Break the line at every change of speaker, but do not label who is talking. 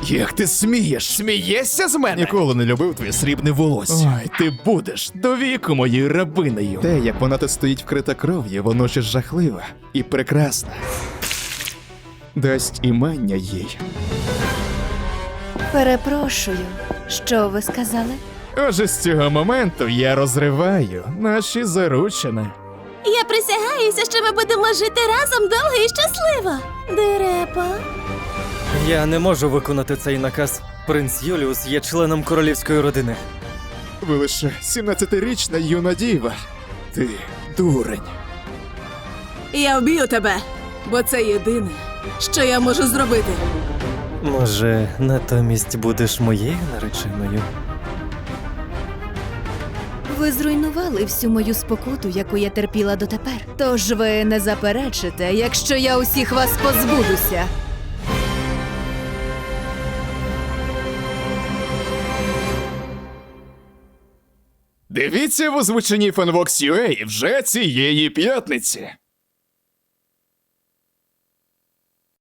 Як ти смієш?
Смієшся з мене?
Ніколи не любив твоє срібне волосся. Ой, ти будеш до віку моєю рабинею. Те, як вона тут стоїть вкрита кров'ю, воно ще жахливе і прекрасне. Дасть імення їй.
Перепрошую, що ви сказали?
Отже, з цього моменту я розриваю наші заручини.
Я присягаюся, що ми будемо жити разом довго і щасливо. Дерепа.
Я не можу виконати цей наказ. Принц Юліус є членом королівської родини.
Ви лише 17-річна юна діва. Ти дурень.
Я вб'ю тебе, бо це єдине, що я можу зробити.
Може, натомість будеш моєю нареченою?
Ви зруйнували всю мою спокуту, яку я терпіла дотепер. Тож ви не заперечите, якщо я усіх вас позбудуся.
Дивіться в озвученні FanVox.ua вже цієї п'ятниці.